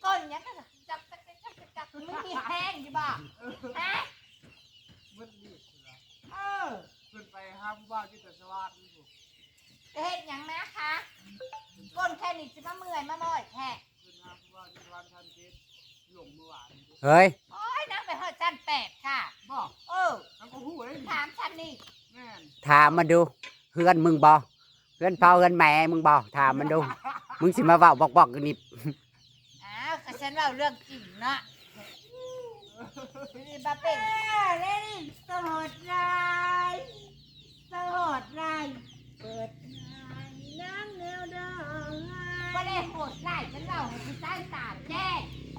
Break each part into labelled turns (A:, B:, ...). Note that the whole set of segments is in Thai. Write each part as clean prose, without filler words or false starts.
A: ก้อนยังก็จับไม่มีแห้งอยู่บ่ฮะ
B: มันนี่
A: เออ
B: ขึ้นไปห้าผู้บ้านที่แต่สวัสดิ์นี่ถูก
A: จะเฮ็ดยังนะคะก้นแค่นี้จะมาเมื่อยมาบ่อยแท้
B: ขึ้นห้าผู้บ้านที่วันทันเทศหลงเมื่อวาน
C: เฮ้ย
A: โอ้ยน้ำไปหอดชั้น8ค่ะ
B: บอกทั้งกูหูเลย
A: ถามฉันนี่
B: แม่
C: ถามมันดูเพื่อนมึงบ่เพื่อนพ่อเพื่อนแม่มึงบ่ถามมันดูมึงสิมาเว้าบอกกันนี่
A: อ้าวก็ฉันเล่าเรื่องจริงเนาะบาเป็นเล่นสโหดร้ายสโหดร้ายเปิดน้ำแนวดองก็ได้โหดร้ายฉันเล่าให้คุณใต้ตาแจ้ง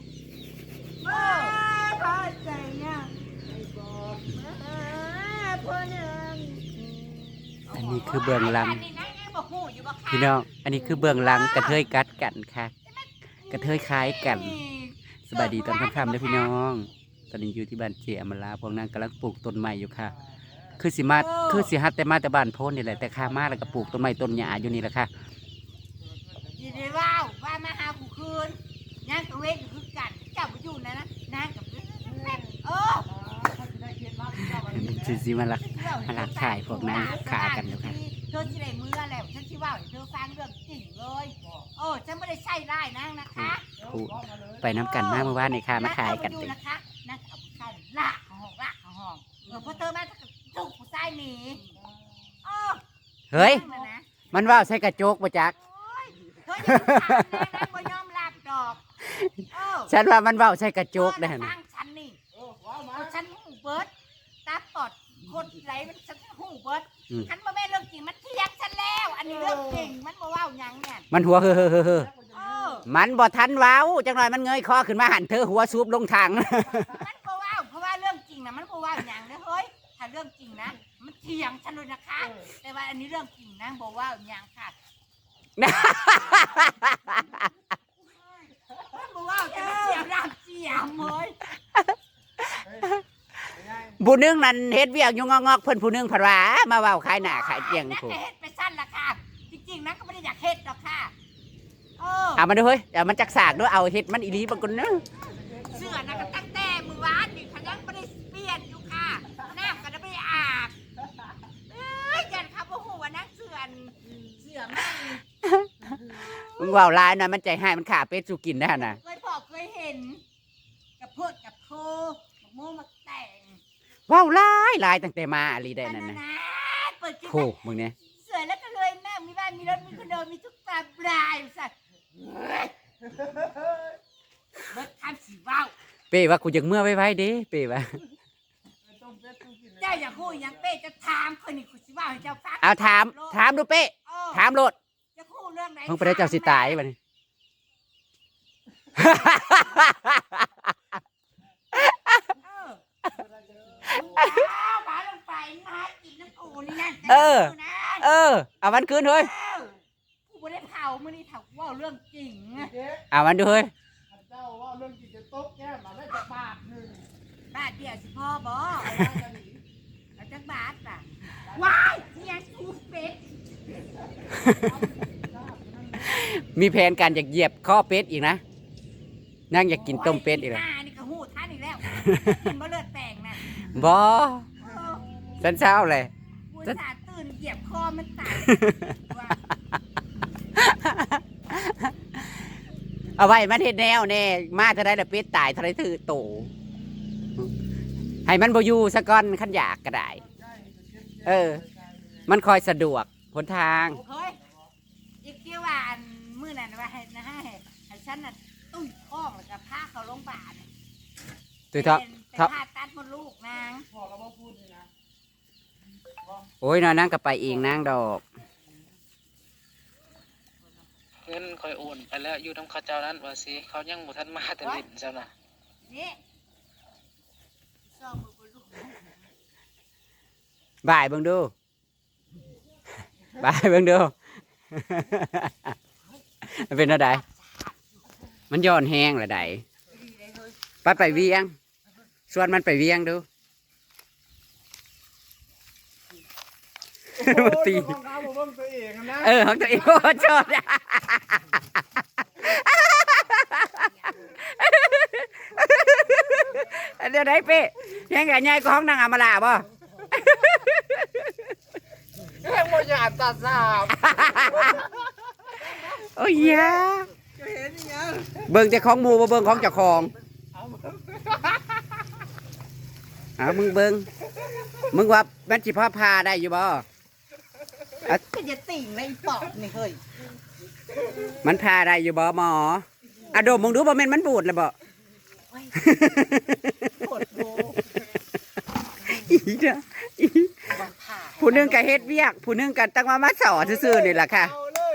A: พอใจยังไม่บอกพ่อหนึ่ง
C: อันนี้คือเบื้องหลัง
A: พี่
C: พี่น้องอันนี้คือเบื้องหลังกระเทยกัดกันค่ะกระเทยคล้ายกันสบายดีตอนค่ำๆนะพี่น้องตอนนี้อยู่ที่บ้านเจอมราพวกนั้นกำลังปลูกต้นไม้อยู่ค่ะคือสิฮัดแต่มาแต่บ้านโพ้นนี่แหละแต่ข้ามาแล้วก็ปลูกต้นไม้ต้นหญ้าอยู่นี่แหละค่ะ
A: ยินดีว่ามาหากูคืนนั่งกับเวทคือกันเจ้าไปอยู่นะนั่งกับ
C: สิมาลักขายพวกนั้นขากันอยู่ค่ะ
A: เธอที่ไหนมือแล้วฉันที่ว่าเธอฟังเรื่องจริงเลยฉันไม่ได้ใช่ได้นะนะคะ
C: ไปน้ำกันมาเมื่อวานนี่ค่ะมาขายกันเลย
A: นะคะนั่งกับผู้ชายละของห้องพอเธอมาถูกผู้ชายหนี
C: เฮ้ยมันว่าใส่กระจกประจัก
A: เธอยังทำนะบ่ยอมรับดอก
C: ฉันว่ามันว่าใส่กระจกได้
A: นะฉันนี่ฉันหูเบิร์ดตาปอดคนไหลมันฉันหูเบิร์ดฉันมาไม่เรื่องจริงมันเทียงฉันแล้วอันนี้เรื่องจริงมันบ่ว่าอย่างเนี่ย
C: มันหัวเฮ้อมันบ่ทันว้าวจังหน่อยมันเงยคอขึ้นมาหันเธอหัวซูบลงทาง
A: มันบ่ว่าเพราะว่าเรื่องจริงนะมันบ่ว่าอย่างนะเฮ้ยถ้าเรื่องจริงนะมันเทียงฉันเลยนะคะแต่ว่าอันนี้เรื่องจริงนะบ่ว่าอย่างค่ะบ่ว่าจะเสียร่างเสียมเลย
C: ผู้นึงนั่นเฮ็ดเวียกอยู่งอกๆเพิ่นผู้นึงผัดว่ามาเว้าขายหน้าขายเตียง
A: ถูกเฮ็ดไปสั้นละค่ะจริงๆนะก็ไม่ได้อยากเฮ็ดหรอกค่ะ
C: เอามันดูเฮ้ยเอามันจักสากด้วยเอาเฮ็ดมันอีหลีบางคนเนอะ
A: เสื้อนะก็ตั้งแต่มื้อวานนี่เขายังไม่ได้เปลี่ยนอยู่ค่ะน้ำก็ไม่ได้อาบยันครับโอ้โหวันนั้นเสื้อไม่
C: มึงเว้าลายหน่อยมันใจหายมันขาเป็ดสู่กินได้น่ะ
A: เคยเห็นกับเพิดกับโคกับโมมาแต่ง
C: ว้าวลายตั้งแต่มาอะไรได้นั่นนะโอ้มึงเนี่ย
A: สวยแล้วก็เลยแม่มีบ้านมีรถมีคอนโดมีทุกตาปลายสัตว์เบิดทำสีว้าว
C: เป้ว่ากูอยากเมื่อไว้เด้เป้ว่า
A: เจ้าอยากพูดอย่างเป้จะถามคนนี้กูสิว่าให้เจ้าฟัง
C: เอาถามดูเป้ถามโลด
A: จะพูดเรื่องไหน
C: มึงไปได้เจ้าสิตายป่ะนี่เอามันคืนเฮ้ย
A: กูไม่ได้เผามื่อนี้เผาว่าเรื่องจริง
C: เอามันดูเฮ้ย
B: เจ้าว่าเรื่องจริงจะตบแก้มาได้จะบาทนึง
A: บาทเดียวสิพ่อบอกเอาจักบาทป่ะว้ายเสียสูเป็ด
C: มีแผนการอยากเหยียบข้อเป็ดอีกนะนั่งอยากกินต้มเป็ดอีกแล้ว
A: นี่ก็หูท่านอีกแล้วกินบ่เลือดแตงนะ
C: บ่ฉันเช้าเลย
A: ฉันตื่นเหยียบคอมันตาย
C: เอาไว้มันเฮ็ดแนวแน่มาเท่าไรละเป็ดตายเท่าไรถือโตให้มันบ่อยู่ซะก่อนขันอยากก็ได้มันคอยสะดวกหนทาง
A: อีกที่ว่ามื้อนั้นว่าให้ฉันน่ะตุ้ยท้องแล้วก็พาเขาโรงพยาบาล
C: ตุ้ยท้อง
A: ผ่าตัดมดลูกนาง
B: พ่อก็บ่พูดเลยนะ
C: โอ้ยนางก็ไปเองนางดอก
D: เงินคอยโอนไปแล้วอยู่ทำข้าเจ้านั้นว่าสิเขายังบ่ทันมาแต่ลิ้นเจ้าน่ะ
A: นี่
C: บ่ายเบิ่งดูบ่ายเบิ่งดูมันเป็นอะไรมันย้อนแห้งละใดไปเวียงส่วนมันไปเวียงดู
B: มาตีของเขาของตัวเองนะ
C: ของตัวเองโอ้ชอบวได้เป้ยังไงใหญ่กว่าห้องนางอำมาลาบ่
B: แค่โมยานตัดสาม
C: โอ้ยยา
B: จะเห็นยัง
C: เบิ่งเจ้าของหมู่บ่เบิ่งของเจ้าของเอามึงเบิ่งมึงว่ามันสิพอพาได้อยู่บ่
A: ก็จะติ่งในปอบนี่เฮ้ย
C: มันพาได้อยู่บ่หมออะดมมึงดูบ่แม่นมันบูดแล้วบ่
A: โคตรโบ
C: อีเด้ออีผู้หนึงก็เฮ็ดเวียกผู้หนึงก็ตั้งมาสอนซื่อๆนี่ล่ะค่ะ
B: เอาเลย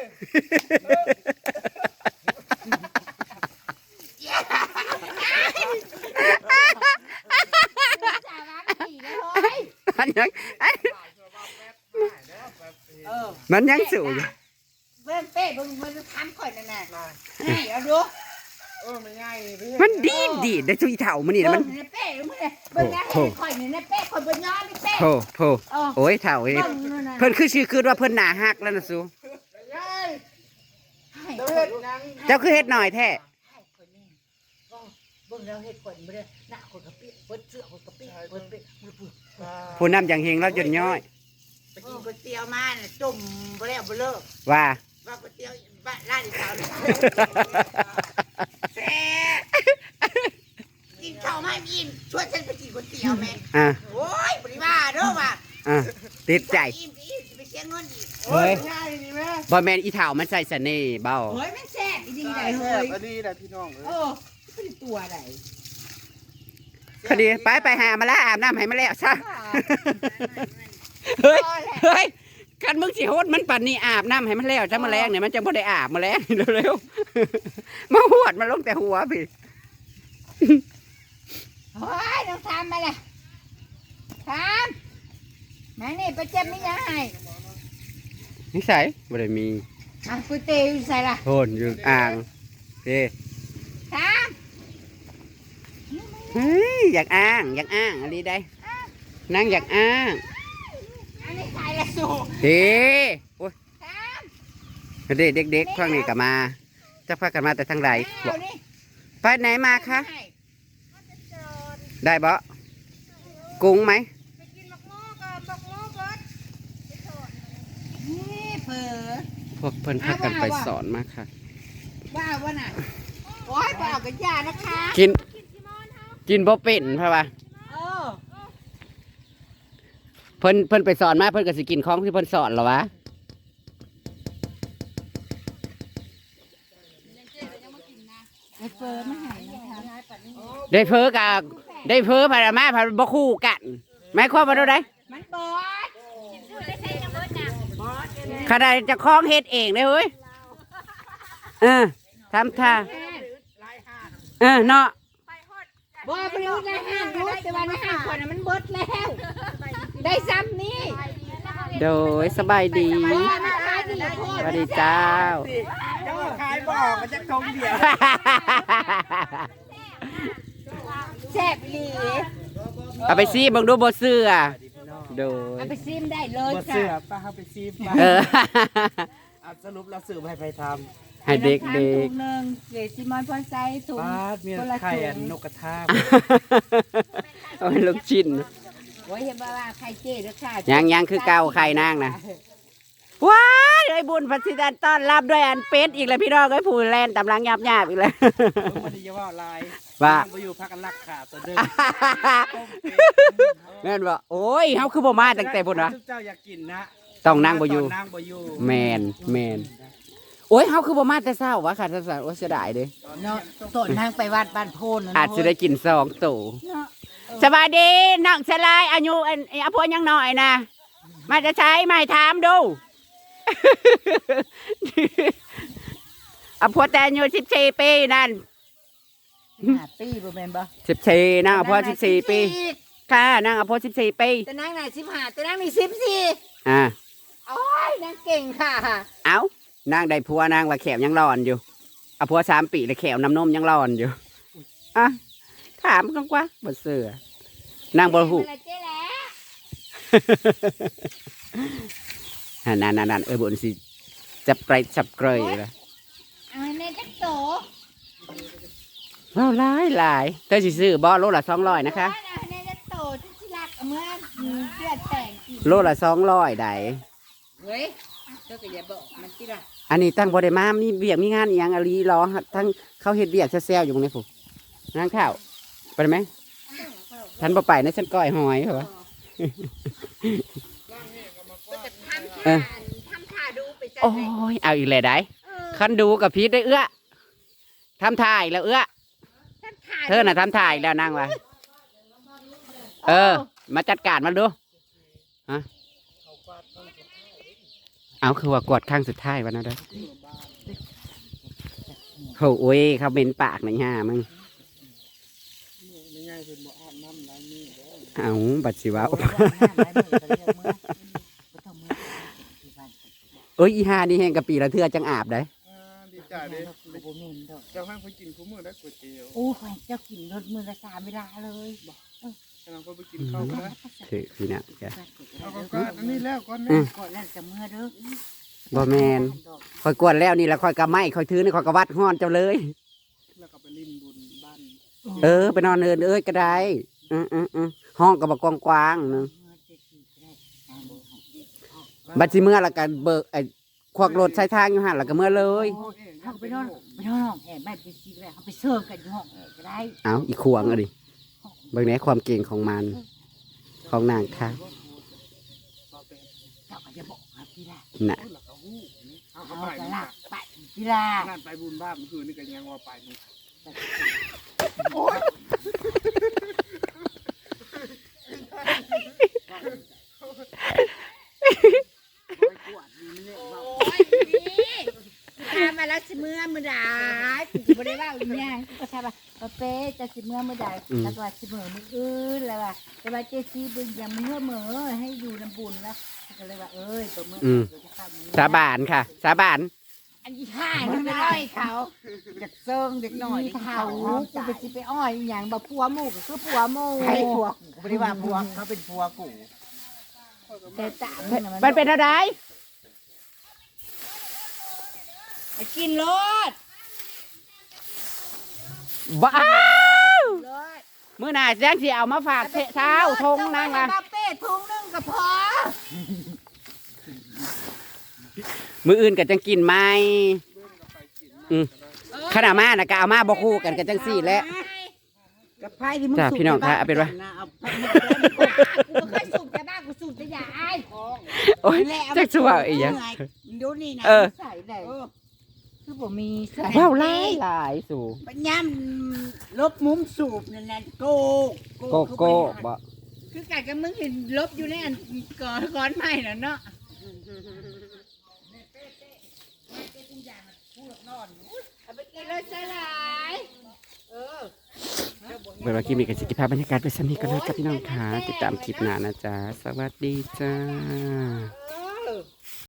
A: สาระดีเลยเฮ้ย
C: มันยัง มันยังสูอยู่
A: เบิ้งเป้เบิ้งมันทำข่อยนั่นน่ะนี่เอาดู
B: มันง่ายพี่
C: มันดีได้ทุยเถ่ามันนี่นะมัน
A: เบิ้งในเป้มึงเนี่ยเบิ้งนะเห็นข่อยนี่ในเป้ข่อยบนย้อนในเป้
C: โถโอ้ยเถ่าเอ้ย
A: เบิ้งนั่นน่ะ
C: เพิ่นคือชื่อคือว่าเพิ่นหน้าฮักแล้วนะสู
B: ง่าย
A: ให้
B: เดี๋ยว
A: ข่อ
B: เห็
A: ย
B: นยัง
C: เจ้าคือเฮ็ดหน่อยแท้
A: ให้ข่อยนี่เบิ้งแล้วเฮ็ดข่อยบ่ได้หน้าข่อยกระเปี้ยเบิ้งเสื้อข่อยกระเปี้ยเบิ้งเป้มือปื้อ
C: ผู้นำอย่างเฮงเราจนย่อย
A: ไปกินก๋วยเตี๋ยวมาน่ะจุ่มบ่แล้วบ่เลิก
C: ว่า
A: ว่าก๋วยเตี๋ยวบ้านร้านอีสาวนี่แซ่บกินข้าวไม่อิ่มชวนฉันไปกินก๋วยเตี๋ยวแม่
C: อ่ะ
A: โอ้ยบริว่าเด้อว่า
C: อ่ะติดใจ
A: อิ่มสิอิ่มสิไปเสียเงินอีก
C: เฮ้ย
B: ง่ายนี่แม่
C: บ่แม่นอีเถ่ามันใส่เสน่ห์เบ้า
A: เฮ้ยมันแซ่บอีดีได้เฮ้ย
B: อันนี้แหละพี่น้องเอ้
A: เอย อเป็นตัวไหน
C: พอดีไปหามาแล้วอาบน้ำให้มาแล้วซะเฮ้ยเฮ้ยคันมึงสิโหดมันปั่นนี่อาบน้ำให้มันแล้วจะมาแรงเนี่ยมันจะบ่ได้อาบมาแรงเร็วๆมาหวดมาลงแต่หัวพี่
A: เฮ้ยน้องทำมาเลยทำแม่นี่ไปเจ็บไม่ยังไง
C: นิสัยบ่ได้มี
A: อ่ะก๋วยเตี๋ยวอยู่ใส่ละ
C: โทนอยู่อ่างเด้
A: ท
C: เฮ้ยอยากอ้างอะไรได้นั่งอยากอ้าง
A: ำอันนี้ใส่ละสู
C: เด้โอ้ย
A: ท
C: เด็กเด็กๆพวกนี้ก็มาจะพากันมาแต่ทางใด
A: ำ
C: บอก
A: เอานี่
C: ไปไหนมาคะได้บ่กุ้งไหม
A: นี่เผลอ
C: พวกเพิ่นพากันไปสอนมาค่ะ
A: บ้าวะน่ะโอ้ยบ้าวกับยานะคะ
C: กินบ่เป็นเพราะว่า
A: เออ
C: เพิ่นไปสอนมาเพิ่นก็สิกินของที่เพิ่นสอนเหรอวะ
A: ไอ้เฟิร์นมาหายนะคะ
C: ได้เพ้อกะได้เพ้อพารามาพาบ่คู่กันหมายความว่าเท่าใด
A: มันบอด
C: ขนาดเจะคล้าของเฮ็ดเองเลยเฮ้ยทำท่าเนาะ
A: บอดไปรู้ในห้างรู้แต่ว่าในห้างคนน่ะมันเบิดแล้ว ได้ซ้ำนี่
C: โดยสบายดี
A: บอดมันขายดีโค
C: ส
A: ตร
C: วัสดีเจ้า
B: เจ้าขายบอกมันจะทงเดียว
A: แซ่บอีหลี
C: เอาไปซีเบิ่งดูบ่เสื้อโดย
A: เอาไปซิมได้เลย
B: บ่เสื
A: ค่ะ
B: อป้าเขาไปซีบมา
C: เออ
B: สรุปเราสืบให้ไปท
C: ให้เด็ก
A: ถุงหนึ่งเกรดซิมอนพอนไซถุ
B: ำ
A: ง
B: ป้าเมีย
A: คนละ
B: ไข่
A: ถุ
B: อัน
A: ง
B: นกกระทา
C: เอาให้ลูกชิ้น
A: โอ้ยเห็นบ่ว่าไข่เจ๊ด้วยค่ะ
C: ยังคือเก่าไข่นางนะว้ายไอ้บุญพัสิดันต้อนรับด้วยอันเป็ดอีกแล้วพี่น้องไอ้ผู้แลนตำลังหยาบอีกแล้ว
B: วันนี้จะว่าลาย
C: ว่า
B: ไปอยู่พักกันรักขาตัวเดิม
C: แม่นบ่โอ้ยเฮาคือบ่มาตั้งแต่พุ่นวะ
B: เจ้าอยากกินนะ
C: ต้องนั่งบ่อยู่
B: นั่งบ่อยู่
C: แม่นโอ้ยเฮาคือบ่มาแต่เช้าวะค่ะท่านโอ้ยเสียดายเด้
A: เนาะต้นทางไปวัดบ้านโพน
C: อาจจะได้กิน2ตู้สวัสดีน้องสลายอายุอันพวยังน้อยนะมาจะใช้มาให้ถามดู อพวแต่อายุ14 ปีนั่น
A: ปีบ่แม่นบ่
C: 14นางอพว14 ปีค่ะนางอพว14 ปี
A: แต่นางน่ะ15แต่นางนี่14
C: อ่า
A: โอ้ยนางเก่งค่ะ
C: เอ้านางได้ผัวนางว่าแขวยังร้อนอยู่อพว3 ปีแล้วแขวน้ำนมยังร้อนอยู่อ่ะถามกันกว่าบ่เสือนางบ่ฮู้
A: เจ๊แหละ
C: นั่นบุญสิจับเกยเลย
A: เอาให้แม่จักโต
C: ว้าวหลายเธอสิซื้อบ่โลละ200นะคะ
A: ในจะโตที่รักเมื่อเดือดแต่งอีก
C: โลละ200ได้
A: เฮ้ยเธอก็อย่าบอกมันที่ละ
C: อันนี้ตั้งบ่ได้มามีเวียกมีงานอีหยังอะลีรอทั้งเขาเฮ็ดเวียกแซวๆอยู่ตรงนี้พุงานข้าวไปได้ไหมฉันบ่ไปนะฉันก้อยหอยเหรอ
A: ก็จะทำท่าดูไปจัด
C: โอ้
A: เลย
C: ยเอาอีกเลยได้คันดูกับพีทได้เอื้อทำถ่ายแล้วเอื้อเธอน่ะทำถ่ายแล้วนั่งวะมาจัดการมันดูฮะเอาคือว่ากดข้างสุดท้ายวันนั้นเด้อโอ้ยเขาเป็นปากหน่อยฮะมึง
B: ไม่ง่ายเป็นบ่อาบน้ำล้างมือเด้อ
C: เอาบัดสิว่าเอ้ยอีหานี่แห้งกะปีละเทื่อจังอาบได้
B: ดีใจเด้เจ้าให้ไปกินคู่มือได้ก๋วยเตี๋ยว
A: โอ้ยเจ้ากินรถมือละ3เวลาเลย
B: กำลังก็ไปกินข้าวกันนะ
C: ถือพี่น่ะจ้ะ
B: เอาก็อันนี้แล้วก่อนนะ
A: ก่อนแล้วจะเมื่อเด้อ
C: บ่แมนคอยกวนแล้วนี่แล้วคอยกะไม้คอยถือนี่คอยกะวัดห้อนเจ้าเลย
B: แล้วก็ไปลิ้นบุญบ้าน
C: ไปนอนเอ้ยก็ได้ห้องกับกกว้างๆนึงบัดสิเมื่อละกันเบิกไอ้ควักรถใช้ทางอยู่หันละก็เมื่อเลย
A: เขาไปนอนห้องแอบไม่ไปซีก็ได้เขาไปเสิร์ฟกันอยู่ห้องแอบก็ได้
C: เอาอีกขวงอะดิเบิ่งแหน่ความเก่งของมันของนางค่ะ
A: เจ้าก็จะบอกครับพี่ละ
C: น่ะ
B: แล้วก็ฮู้เอา
A: เอา
B: เข้าไป
A: กระ
B: นี่
A: ลักไปพี่ละ
B: นั่นไปบุญบ้านเมื่อคืนนี่ก็ยังว่าไปนี่
A: ตามมาแล้วสิเมื่อมือใดกูบ่ได้ว่าอีหยังกูก็ทำว่าเป๊จะสิเมื่อมือใดแล้วก็สิเมื่อมืออื่นแล้วว่าแต่ว่าเจซีบึงยังเมื่อให้อยู่น้ำบุญแล้วก็เลยว่าตัวเมื่อจะเข้ามือ
C: สาบานค่ะ สาบาน
A: อันนี้ห่างมันไปอ้อยเขาจากเซิงเด็กหน่อยเขากูไปสิไปอ้อยอย่างแบบผัวหมูก็คือผัวหมู
E: ใครผัวกูไม่ได้ว่าผัวเขาเป็นผัวกู
A: แต่ตาม
C: มันเป็นอะไร
A: กินรถ
C: ว้าว
A: รถ
C: มื้อหน้าแจ้งสิเอามาฝากเช้าทงนั่งล่ะ
A: มาเป้ทุ่งนึงก็พอ
C: มื้ออื่นก็จังกินไหมขนาดมาน่ะก็เอามาบ่คู่กันก็จังซี่แหละ
E: กับไพ่ที่มึง
C: จ้ะ
E: สูบ
C: พี่น้องคะเอาเป็นว่า
E: เอา
A: กูเคยสูบแต่บ้ากูสูบแต่ยาไอ้
C: โอ้ยจักสิว่าอีหยัง
E: ดูนี่นะ
A: ใส่ได้คือผมมีใส่
C: ว้าวหลายสู่
E: ปัญญามลบมุมสูบนั่นนะโก
C: โกโก้บ่
A: คือไก่กับมึงเห็นลบอยู่ในอันก้อนใหม่น่ะเนาะ เอาไปกินเลยสลาย
C: เวลาคลิปนี้ก็สิเก็บภาพบรรยากาศไปสำนี้ก็แล้วจ้ะพี่น้องค่ะติดตามคลิปหน้านะจ๊ะสวัสดีจ้า